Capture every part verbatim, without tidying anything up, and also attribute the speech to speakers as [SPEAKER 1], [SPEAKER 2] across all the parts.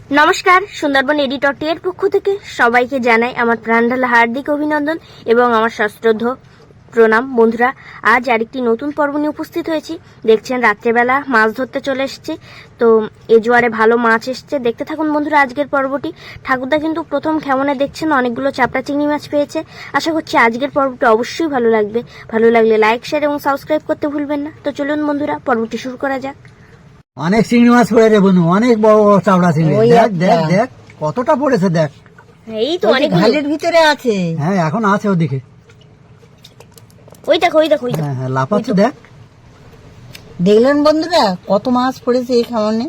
[SPEAKER 1] নমস্কার, সুন্দরবন এডিটর টি এর পক্ষ থেকে সবাইকে জানাই আমার প্রাণঢালা হার্দিক অভিনন্দন এবং আমার সশ্রদ্ধ প্রণাম। বন্ধুরা, আজ আরেকটি নতুন পর্ব নিয়ে উপস্থিত হয়েছি। দেখছেন রাত্রেবেলা মাছ ধরতে চলে এসেছি। তো এ জোয়ারে ভালো মাছ এসছে, দেখতে থাকুন বন্ধুরা আজকের পর্বটি। ঠাকুরদা কিন্তু প্রথম খেমনে দেখছেন অনেকগুলো চাপড়া চিংড়ি মাছ পেয়েছে। আশা করছি আজকের পর্বটি অবশ্যই ভালো লাগবে। ভালো লাগলে লাইক, শেয়ার এবং সাবস্ক্রাইব করতে ভুলবেন না। তো চলুন বন্ধুরা, পর্বটি শুরু করা যাক।
[SPEAKER 2] অনেক চিংড়ি মাছ পড়ে রে বনু, অনেক বড় বড় চাপড়া চিংড়ি। দেখ দেখ দেখ কতটা পড়েছে, দেখ
[SPEAKER 1] এই তো অনেক
[SPEAKER 3] ঘালের ভিতরে আছে।
[SPEAKER 2] হ্যাঁ এখন আছে ওদিকে।
[SPEAKER 1] ওই দেখো ওই দেখো ওই দেখো
[SPEAKER 2] হ্যাঁ হ্যাঁ লাফাচ্ছে, দেখ।
[SPEAKER 3] দেখলেন বন্ধুরা কত মাছ পড়েছে এই খামারে।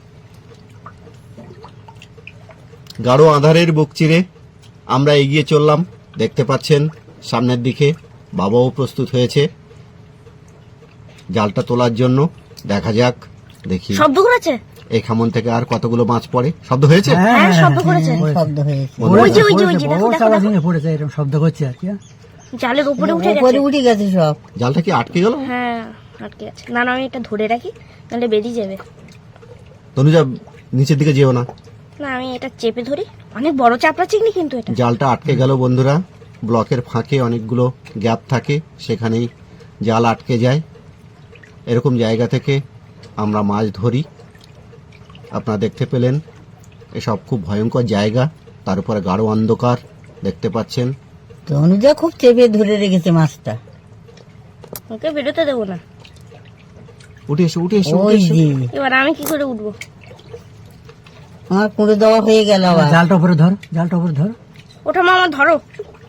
[SPEAKER 4] গাঢ় আঁধারের বুক চিরে আমরা এগিয়ে চললাম। দেখতে পাচ্ছেন সামনের দিকে বাবাও প্রস্তুত হয়েছে জালটা তোলার জন্য। দেখা যাক, দেখি
[SPEAKER 1] শব্দ করেছে
[SPEAKER 4] এই খামন থেকে আর কতগুলো মাছ পড়ে। শব্দ হয়েছে?
[SPEAKER 1] হ্যাঁ শব্দ করেছে,
[SPEAKER 3] শব্দ হয়েছে।
[SPEAKER 1] ওই যে ওই যে ওই যে
[SPEAKER 2] বড়
[SPEAKER 1] দেখো
[SPEAKER 2] বড়
[SPEAKER 1] দেখো
[SPEAKER 2] চাপড়া
[SPEAKER 1] দেখো।
[SPEAKER 2] চিংড়ি পড়েছে, এরকম শব্দ করছে আর কি।
[SPEAKER 1] জালের উপরে উঠে
[SPEAKER 3] উপরে
[SPEAKER 1] গেছে।
[SPEAKER 3] উঠে গেছে সব।
[SPEAKER 4] জালটা কি আটকে গেল?
[SPEAKER 1] হ্যাঁ আটকে আছে। না না আমি এটা ধরে রাখি, নাহলে বেরিয়ে যাবে।
[SPEAKER 4] তনুজা নিচের দিকে যেও না,
[SPEAKER 1] না আমি এটা চেপে ধরি। অনেক বড় চাপড়া চিংড়ি কিন্তু এটা।
[SPEAKER 4] জালটা আটকে গেল বন্ধুরা। ব্লকের ফাঁকে অনেকগুলো গ্যাপ থাকে, সেখানেই জাল আটকে যায়। এরকম জায়গা থেকে আমরা মাছ ধরি। আপনারা দেখতে পেলেন এসব খুব ভয়ঙ্কর জায়গা, তার উপরে গাঢ় অন্ধকার দেখতে পাচ্ছেন।
[SPEAKER 3] তনুজা খুব চেপে ধরে রেখেছে মাছটা।
[SPEAKER 1] ওকে বেরোতে দেবো না।
[SPEAKER 4] উঠে এসো উঠে এসো উঠে
[SPEAKER 3] ওই
[SPEAKER 4] এসো।
[SPEAKER 3] যে
[SPEAKER 1] এবার আমি কি করে উঠবো?
[SPEAKER 3] আমার কুড়ে দেওয়া হয়ে গেল আবার।
[SPEAKER 2] জালটা উপরে ধর, জালটা উপরে ধর।
[SPEAKER 1] ওঠা মামা ধরো।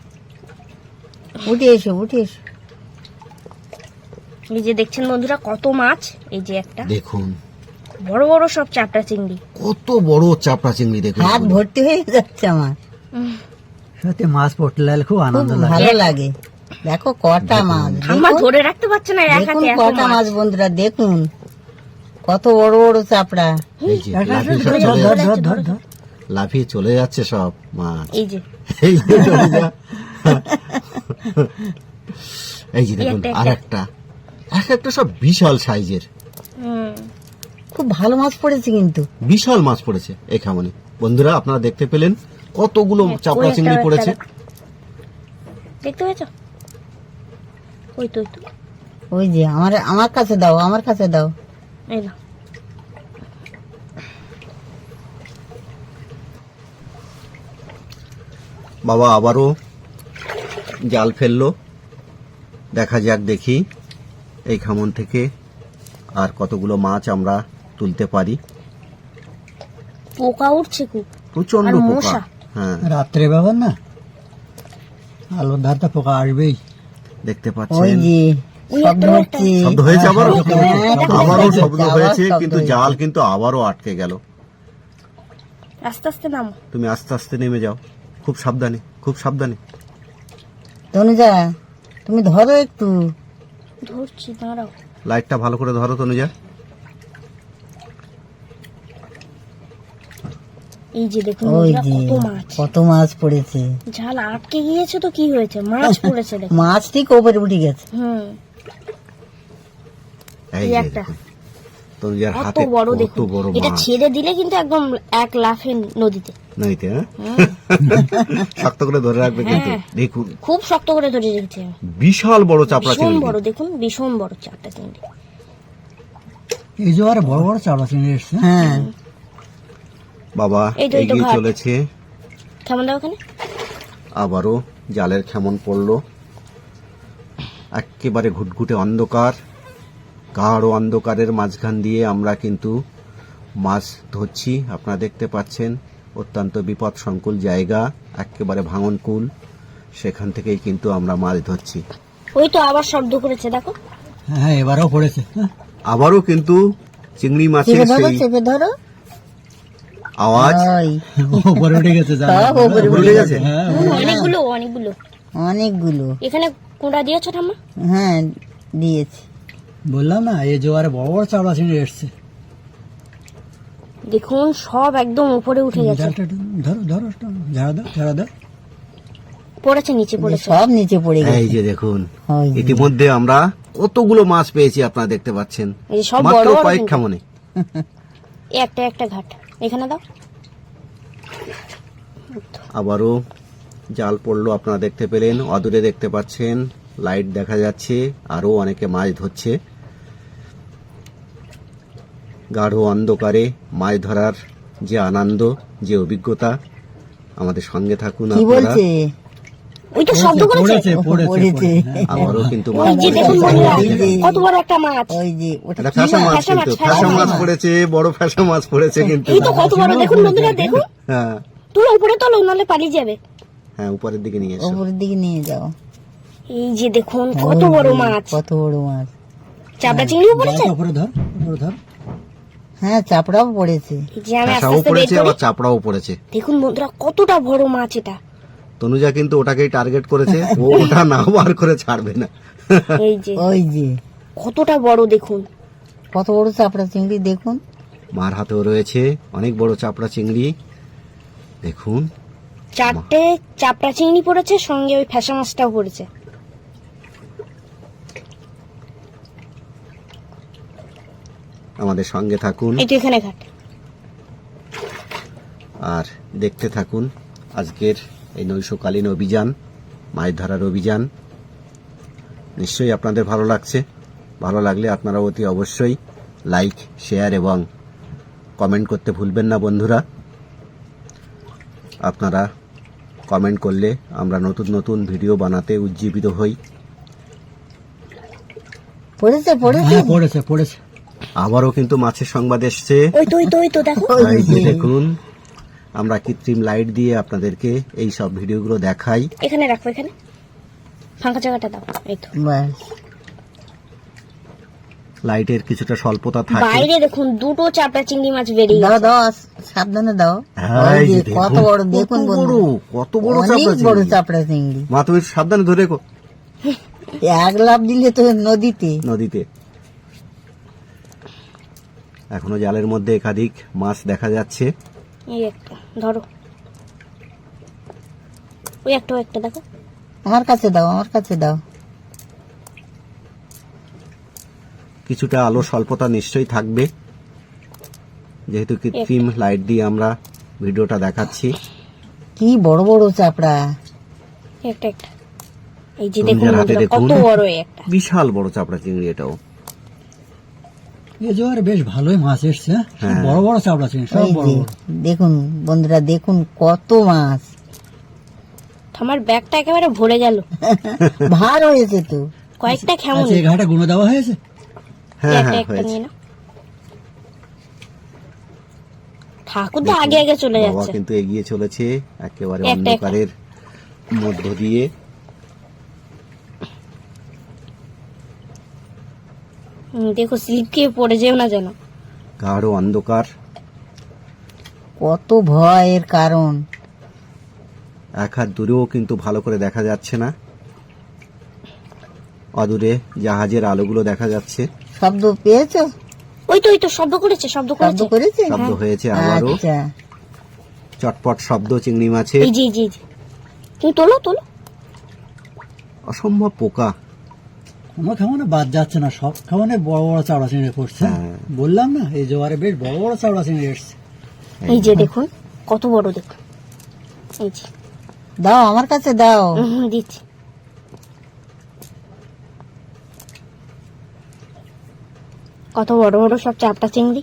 [SPEAKER 3] উঠে এসো উঠে এসো।
[SPEAKER 1] এই যে দেখছেন বন্ধুরা কত মাছ। এই যে একটা
[SPEAKER 4] দেখুন
[SPEAKER 1] বড় বড় সব চাপড়া চিংড়ি।
[SPEAKER 4] কত বড় চাপড়া চিংড়ি, দেখুন
[SPEAKER 3] হাত ভর্তি হয়ে যাচ্ছে আমার।
[SPEAKER 2] সত্যি মাছ পড়তে লাগলে খুব
[SPEAKER 3] খুব
[SPEAKER 2] আনন্দ লাগে।
[SPEAKER 3] ভালো লাগে। দেখো কটা মাছ,
[SPEAKER 1] আমার
[SPEAKER 3] দেখুন
[SPEAKER 1] ধরে রাখতে পারছে না এক
[SPEAKER 3] দেখুন
[SPEAKER 1] হাতে এত
[SPEAKER 3] কটা
[SPEAKER 1] মাছ।
[SPEAKER 3] মাছ বন্ধুরা, দেখুন কত বড় বড় চাপড়া।
[SPEAKER 4] এই যে
[SPEAKER 2] একটা
[SPEAKER 4] লাফিয়ে
[SPEAKER 2] ধর,
[SPEAKER 4] সব
[SPEAKER 2] ধর,
[SPEAKER 4] চলে
[SPEAKER 2] ধর,
[SPEAKER 4] যাচ্ছে,
[SPEAKER 2] ধর, ধর, ধর।
[SPEAKER 4] লাফিয়ে চলে যাচ্ছে সব মাছ।
[SPEAKER 1] এই যে
[SPEAKER 4] এই যে তনুজা। এই যে দেখুন
[SPEAKER 1] একটা,
[SPEAKER 4] আর একটা এক একটা সব বিশাল সাইজের
[SPEAKER 1] হুম
[SPEAKER 3] খুব ভালো মাছ পড়েছে কিন্তু।
[SPEAKER 4] বিশাল মাছ পড়েছে এই খামনে। বন্ধুরা আপনারা দেখতে পেলেন কতগুলো
[SPEAKER 1] হ্যাঁ,
[SPEAKER 4] চাপড়া
[SPEAKER 1] ওই
[SPEAKER 4] চিংড়ি
[SPEAKER 1] একটা,
[SPEAKER 4] পড়েছে।
[SPEAKER 1] একটা দেখতে পেয়েছো? ওই তো ওই তো
[SPEAKER 3] ওই যে আমার আমার কাছে দাও, আমার কাছে দাও।
[SPEAKER 1] এই না
[SPEAKER 4] বাবা আবারও জাল ফেললো। দেখা যাক, দেখি এই খামন থেকে আর কতগুলো মাছ আমরা তুলতে পারি।
[SPEAKER 1] পোকা উঠছে খুব।
[SPEAKER 4] প্রচন্ড
[SPEAKER 1] আর
[SPEAKER 4] পোকা।
[SPEAKER 1] মশা।
[SPEAKER 4] হ্যাঁ
[SPEAKER 2] রাত্রে ব্যাপার না, আলোর ধারটা পোকা আসবেই।
[SPEAKER 4] দেখতে
[SPEAKER 3] ওই
[SPEAKER 4] পাচ্ছেন
[SPEAKER 3] যে
[SPEAKER 1] ওই
[SPEAKER 3] শব্দ
[SPEAKER 1] একটা,
[SPEAKER 3] হচ্ছে।
[SPEAKER 4] শব্দ হয়েছে আবারও।
[SPEAKER 3] হ্যাঁ,
[SPEAKER 4] আবারও
[SPEAKER 3] হয়েছে,
[SPEAKER 4] শব্দ
[SPEAKER 3] আবার
[SPEAKER 4] হয়েছে,
[SPEAKER 3] শব্দ
[SPEAKER 4] কিন্তু
[SPEAKER 3] হয়েছে।
[SPEAKER 4] জাল কিন্তু আবারও আটকে গেল।
[SPEAKER 1] আস্তে আস্তে নামো।
[SPEAKER 4] তুমি আস্তে আস্তে নেমে যাও, খুব সাবধানে খুব সাবধানে।
[SPEAKER 3] তনুজা তুমি ধরো একটু।
[SPEAKER 1] ধরছি, দাঁড়াও।
[SPEAKER 4] লাইটটা ভালো করে ধরো তনুজা।
[SPEAKER 1] এই যে দেখুন
[SPEAKER 3] ওই
[SPEAKER 1] বন্ধুরা,
[SPEAKER 3] যে
[SPEAKER 1] কত মাছ।
[SPEAKER 3] কত মাছ পড়েছে।
[SPEAKER 1] ঝাল আটকে গিয়েছে তো কি হয়েছে, মাছ পড়েছে দেখো।
[SPEAKER 3] মাছ ঠিক ওপরে উঠে গেছে।
[SPEAKER 1] হুম
[SPEAKER 4] এই
[SPEAKER 1] এই
[SPEAKER 4] যে
[SPEAKER 1] একটা।
[SPEAKER 4] দেখুন তনুজার
[SPEAKER 1] কত
[SPEAKER 4] হাতে
[SPEAKER 1] বড়
[SPEAKER 4] কত
[SPEAKER 1] দেখুন।
[SPEAKER 4] বড়
[SPEAKER 1] এটা
[SPEAKER 4] মাছ।
[SPEAKER 1] ছেড়ে দিলে কিন্তু একদম এক লাফে নদীতে।
[SPEAKER 4] নইতে হ্যাঁ শক্ত করে ধরে রাখবে কিন্তু।
[SPEAKER 1] হ্যাঁ।
[SPEAKER 4] দেখুন
[SPEAKER 1] খুব শক্ত করে ধরে রেখেছে।
[SPEAKER 4] বিশাল বড় চাপড়া
[SPEAKER 1] ভীষণ
[SPEAKER 4] চিংড়ি।
[SPEAKER 1] বড় দেখুন, ভীষণ বড় চারটা চিংড়ি।
[SPEAKER 2] এই জোয়ারে বড় বড় চাপড়া চিংড়ি এসছে।
[SPEAKER 3] হ্যাঁ
[SPEAKER 4] বাবা
[SPEAKER 1] এই তো, এই তো
[SPEAKER 4] এগিয়ে
[SPEAKER 1] ঘাট।
[SPEAKER 4] চলেছে।
[SPEAKER 1] কেমন দাও ওখানে?
[SPEAKER 4] আবারও জালের খেমন পড়লো। একেবারে ঘুটঘুটে অন্ধকার, গাঢ় অন্ধকারের মাঝখান দিয়ে আমরা কিন্তু মাছ ধরছি। আপনারা দেখতে পাচ্ছেন অত্যন্ত বিপদ সংকুল জায়গা, একেবারে ভাঙনকুল। সেখান থেকেই কিন্তু আমরা মাছ ধরছি।
[SPEAKER 1] ওই তো আবার শব্দ করেছে দেখো।
[SPEAKER 2] হ্যাঁ এবারও পড়েছে। হ্যাঁ,
[SPEAKER 4] আবারও কিন্তু চিংড়ি মাছের
[SPEAKER 3] চেপে ধরো
[SPEAKER 4] সেই
[SPEAKER 3] চেপে ধরো।
[SPEAKER 4] আওয়াজ।
[SPEAKER 3] ওই
[SPEAKER 2] উপরে উঠে গেছে জাল।
[SPEAKER 3] সব উপরে
[SPEAKER 4] ভুলে গেছে।
[SPEAKER 2] হ্যাঁ
[SPEAKER 1] অনেকগুলো অনেকগুলো।
[SPEAKER 3] অনেকগুলো।
[SPEAKER 1] এখানে কোনটা দিয়েছো ঠাম্মা?
[SPEAKER 3] হ্যাঁ দিয়েছি।
[SPEAKER 2] বললাম না, এই জোয়ারে বড় বড় চাপড়া চিংড়ি এসছে।
[SPEAKER 1] দেখুন সব একদম উপরে উঠে গেছে।
[SPEAKER 2] জালটা একটু ধরো ধরো, একটু ঝাড়া দাও ঝাড়া দাও।
[SPEAKER 1] পড়েছে নিচে পড়েছে।
[SPEAKER 3] সব নিচে পড়ে গেছে।
[SPEAKER 4] এই যে দেখুন
[SPEAKER 3] ওই যে।
[SPEAKER 4] ইতিমধ্যে আমরা কতগুলো মাছ পেয়েছি আপনারা দেখতে পাচ্ছেন।
[SPEAKER 1] এই যে সব
[SPEAKER 4] মাত্র
[SPEAKER 1] বড় বড়
[SPEAKER 4] কয়েক
[SPEAKER 1] কিন্তু।
[SPEAKER 4] খামনে।
[SPEAKER 1] এই একটা একটা ঘাট এখানে দাও।
[SPEAKER 4] আবারও জাল পড়লো, আপনারা দেখতে পেলেন, অদূরে দেখতে পাচ্ছেন লাইট দেখা যাচ্ছে, আরো অনেকে মাছ ধরছে। গাঢ় অন্ধকারে মাছ ধরার যে আনন্দ, যে অভিজ্ঞতা, আমাদের সঙ্গে থাকুন
[SPEAKER 3] কি
[SPEAKER 4] আপনারা।
[SPEAKER 3] বলছে?
[SPEAKER 1] ওই তো শব্দ করেছে।
[SPEAKER 2] পড়েছে পড়েছে
[SPEAKER 3] পড়েছে।
[SPEAKER 2] হ্যাঁ।
[SPEAKER 4] আবারও কিন্তু
[SPEAKER 1] ওই যে দেখুন বন্ধুরা, কত বড় একটা মাছ।
[SPEAKER 3] ওই যে ওটা
[SPEAKER 4] এটা
[SPEAKER 3] কি
[SPEAKER 4] ফ্যাসা মাছ,
[SPEAKER 1] ফ্যাসা মাছ,
[SPEAKER 4] কিন্তু
[SPEAKER 1] ফ্যাসা
[SPEAKER 4] ফ্যাসা মাছ
[SPEAKER 3] মাছ।
[SPEAKER 4] পড়েছে, বড় ফ্যাসা মাছ পড়েছে কিন্তু।
[SPEAKER 1] এই তো কত বড় দেখুন বন্ধুরা, দেখুন।
[SPEAKER 4] হ্যাঁ
[SPEAKER 1] তুলো উপরে তোলো, নাহলে পালিয়ে যাবে।
[SPEAKER 4] হ্যাঁ, উপরের দিকে নিয়ে এসো।
[SPEAKER 3] ওপরের দিকে নিয়ে যাও।
[SPEAKER 1] এই যে দেখুন কত
[SPEAKER 3] ওই
[SPEAKER 1] বড়
[SPEAKER 3] যে,
[SPEAKER 1] মাছ।
[SPEAKER 3] কত বড় মাছ।
[SPEAKER 1] চাপড়া চিংড়িও পড়েছে।
[SPEAKER 2] জালটা উপরে ধর, উপরে ধর।
[SPEAKER 3] হ্যাঁ, চাপড়াও পড়েছে।
[SPEAKER 1] এই যে আমি আস্তে
[SPEAKER 4] ফ্যাসাও
[SPEAKER 1] আস্তে বের
[SPEAKER 4] পড়েছে,
[SPEAKER 1] করি।
[SPEAKER 4] আবার চাপড়াও পড়েছে।
[SPEAKER 1] দেখুন বন্ধুরা কতটা বড় মাছ এটা।
[SPEAKER 4] তনুজা কিন্তু ওটাকেই টার্গেট করেছে, ও ওটা না বার করে ছাড়বে না।
[SPEAKER 1] এই যে
[SPEAKER 3] ওই যে
[SPEAKER 1] কতটা বড় দেখুন।
[SPEAKER 3] কত বড় চাপড়া চিংড়ি দেখুন।
[SPEAKER 4] মার হাতেও রয়েছে অনেক বড় চাপড়া চিংড়ি, দেখুন।
[SPEAKER 1] চারটে চাপড়া চিংড়ি পড়েছে, সঙ্গে ওই ফ্যাসা মাছটাও পড়েছে।
[SPEAKER 4] আমাদের সঙ্গে থাকুন
[SPEAKER 1] এই তো এখানে ঘাট।
[SPEAKER 4] আর দেখতে থাকুন আজকের এই নৈশকালীন অভিযান, মাছ ধরার অভিযান। নিশ্চয়ই আপনাদের ভালো লাগছে। ভালো লাগলে আপনারা অতি অবশ্যই লাইক, শেয়ার এবং কমেন্ট করতে ভুলবেন না বন্ধুরা। আপনারা কমেন্ট করলে আমরা নতুন নতুন ভিডিও বানাতে উজ্জীবিত হই।
[SPEAKER 3] পড়েছে পড়েছে
[SPEAKER 2] হ্যাঁ পড়েছে পড়েছে।
[SPEAKER 4] আবারও কিন্তু মাছের সংবাদ এসছে।
[SPEAKER 1] ওই তো ওই তো ওই তো দেখো।
[SPEAKER 4] এই যে দেখুন, আমরা কৃত্রিম লাইট দিয়ে আপনাদেরকে এই সব ভিডিওগুলো দেখাই।
[SPEAKER 1] এখানে রাখো, এখানে ফাঁকা জায়গাটা দাও। এই তো
[SPEAKER 3] ব্যাস।
[SPEAKER 4] লাইটের কিছুটা স্বল্পতা থাকে।
[SPEAKER 1] বাইরে দেখুন দুটো চাপড়া চিংড়ি মাছ বেরিয়ে
[SPEAKER 3] দাও
[SPEAKER 1] গেছে।
[SPEAKER 3] দাও সাবধানে দাও।
[SPEAKER 4] হ্যাঁ,
[SPEAKER 3] ওই
[SPEAKER 4] এই
[SPEAKER 3] যে
[SPEAKER 4] যে
[SPEAKER 3] কত
[SPEAKER 4] দেখুন,
[SPEAKER 3] বড় দেখুন
[SPEAKER 4] কত
[SPEAKER 3] বন্ধু।
[SPEAKER 4] বড়, কত বড়
[SPEAKER 3] অনেক
[SPEAKER 4] চাপড়া
[SPEAKER 3] বড়
[SPEAKER 4] চিংড়ি।
[SPEAKER 3] চাপড়া চিংড়ি।
[SPEAKER 4] মা তুমি সাবধানে ধরে রেখো
[SPEAKER 3] এক লাফ দিলে তো নদীতে।
[SPEAKER 4] নদীতে। এখনো জালের মধ্যে একাধিক মাছ দেখা যাচ্ছে।
[SPEAKER 1] এই একটা ধরো, ওই একটা ওই একটা দেখো।
[SPEAKER 3] আমার কাছে দাও, আমার কাছে দাও।
[SPEAKER 4] কিছুটা আলো স্বল্পতা নিশ্চয়ই থাকবে, যেহেতু কৃত্রিম লাইট দিয়ে আমরা ভিডিওটা দেখাচ্ছি।
[SPEAKER 3] কি বড় বড় চাপড়া।
[SPEAKER 1] এই একটা একটা এই যে দেখুন
[SPEAKER 4] নিজের হাতে
[SPEAKER 1] বন্ধুরা,
[SPEAKER 4] দেখুন,
[SPEAKER 1] কত বড় এই একটা।
[SPEAKER 4] বিশাল বড় চাপড়া চিংড়ি এটাও।
[SPEAKER 2] এই জোয়ারে বেশ ভালোই মাছ এসছে। হ্যাঁ? সব
[SPEAKER 4] হ্যাঁ।
[SPEAKER 2] বড় বড় চাপড়া চিংড়ি, সব
[SPEAKER 3] ওই
[SPEAKER 2] বড়
[SPEAKER 3] যে
[SPEAKER 2] বড়।
[SPEAKER 3] দেখুন বন্ধুরা, দেখুন কত মাছ।
[SPEAKER 1] আমার ব্যাগটা একেবারে ভরে গেল।
[SPEAKER 3] ভার হয়েছে তো।
[SPEAKER 1] কয়েকটা কেমন
[SPEAKER 2] আচ্ছা, এই ঘাটে গুঁড়ো দেওয়া হয়েছে।
[SPEAKER 4] হ্যাঁ
[SPEAKER 1] একটা
[SPEAKER 4] হ্যাঁ
[SPEAKER 1] একটা
[SPEAKER 4] হয়েছে।
[SPEAKER 1] নিয়ে নাও। ঠাকুর তো আগে আগে চলে
[SPEAKER 4] বাবা
[SPEAKER 1] যাচ্ছে।
[SPEAKER 4] কিন্তু এগিয়ে চলেছে একেবারে
[SPEAKER 1] একটা একটা।
[SPEAKER 4] অন্ধকারের মধ্য দিয়ে।
[SPEAKER 1] হুম, দেখো স্লিপ খেয়ে পড়ে যেও না যেন।
[SPEAKER 4] গাঢ় অন্ধকার,
[SPEAKER 3] কত ভয়ের কারণ।
[SPEAKER 4] এক হাত দূরেও কিন্তু ভালো করে দেখা যাচ্ছে না। অদূরে জাহাজের আলোগুলো দেখা যাচ্ছে।
[SPEAKER 3] শব্দ পেয়েছো?
[SPEAKER 1] ওই তো ওই তো শব্দ করেছে, শব্দ
[SPEAKER 3] শব্দ
[SPEAKER 1] করেছে।
[SPEAKER 3] করেছে?
[SPEAKER 4] শব্দ হয়েছে আবারও,
[SPEAKER 3] আচ্ছা।
[SPEAKER 4] চটপট শব্দ চিংড়ি মাছের।
[SPEAKER 1] এই যে এই যে এই যে। তুমি তোলো তোলো।
[SPEAKER 4] অসম্ভব পোকা।
[SPEAKER 2] কোনো খামানে বাদ যাচ্ছে না, সব খামানে বড় বড় চাপড়া চিংড়ি পড়ছে।
[SPEAKER 4] হ্যাঁ।
[SPEAKER 2] বললাম না, এই জোয়ারে বেশ বড় বড় চাপড়া চিংড়ি এসছে।
[SPEAKER 1] এই যে দেখুন কত বড় দেখুন। এই যে
[SPEAKER 3] দাও, আমার কাছে দাও।
[SPEAKER 1] হুম, হুম, দিচ্ছি। কত বড় বড় সব চাপটা চিংড়ি।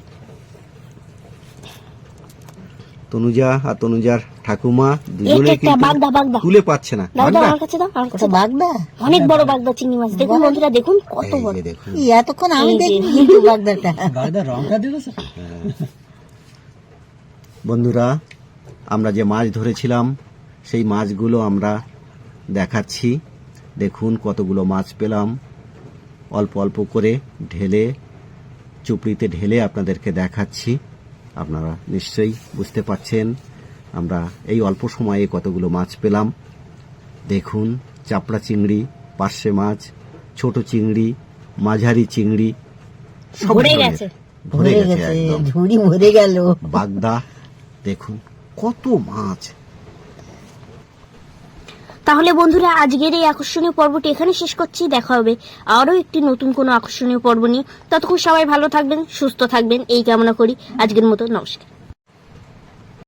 [SPEAKER 4] তনুজা আর তনুজার ঠাকুমা দুজনে
[SPEAKER 1] একটা একটা
[SPEAKER 4] কিন্তু
[SPEAKER 1] বাগদা বাগদা
[SPEAKER 4] তুলে পাচ্ছে না।
[SPEAKER 1] দাও দাও
[SPEAKER 4] বাগদা?
[SPEAKER 1] আমার কাছে দাও, আমার কাছে
[SPEAKER 3] ওটা
[SPEAKER 1] দাও।
[SPEAKER 3] বাগদা?
[SPEAKER 1] অনেক বড় বাগদা চিংড়ি মাছ দেখুন বন্ধুরা, দেখুন কত
[SPEAKER 4] এই
[SPEAKER 1] বড়।
[SPEAKER 4] যে দেখুন,
[SPEAKER 3] ই, এতক্ষণ আমি
[SPEAKER 1] এই যে।
[SPEAKER 3] দেখি কিন্তু বাগদাটা।
[SPEAKER 2] বাগদার রংটা দিয়েছে।
[SPEAKER 4] বন্ধুরা আমরা যে মাছ ধরেছিলাম সেই মাছগুলো আমরা দেখাচ্ছি। দেখুন কতগুলো মাছ পেলাম, অল্প অল্প করে ঢেলে, চুপড়িতে ঢেলে আপনাদেরকে দেখাচ্ছি। আপনারা নিশ্চয়ই বুঝতে পারছেন আমরা এই অল্প সময়ে কতগুলো মাছ পেলাম। দেখুন চাপড়া চিংড়ি, পার্শে মাছ, ছোট চিংড়ি, মাঝারি চিংড়ি, সব
[SPEAKER 1] ভরে
[SPEAKER 4] ধরনের।
[SPEAKER 1] গেছে।
[SPEAKER 4] ভরে
[SPEAKER 3] ভরে
[SPEAKER 4] গেছে
[SPEAKER 3] গেছে,
[SPEAKER 4] একদম।
[SPEAKER 3] ঝুড়ি ভরে গেল।
[SPEAKER 4] বাগদা দেখুন কত মাছ।
[SPEAKER 1] তাহলে বন্ধুরা আজকের এই আকর্ষণীয় পর্বটি এখানে শেষ করছি। দেখা হবে আরো একটি নতুন কোনো আকর্ষণীয় পর্ব নিয়ে। ততক্ষণ সবাই ভালো থাকবেন, সুস্থ থাকবেন এই কামনা করি। আজকের মতো নমস্কার।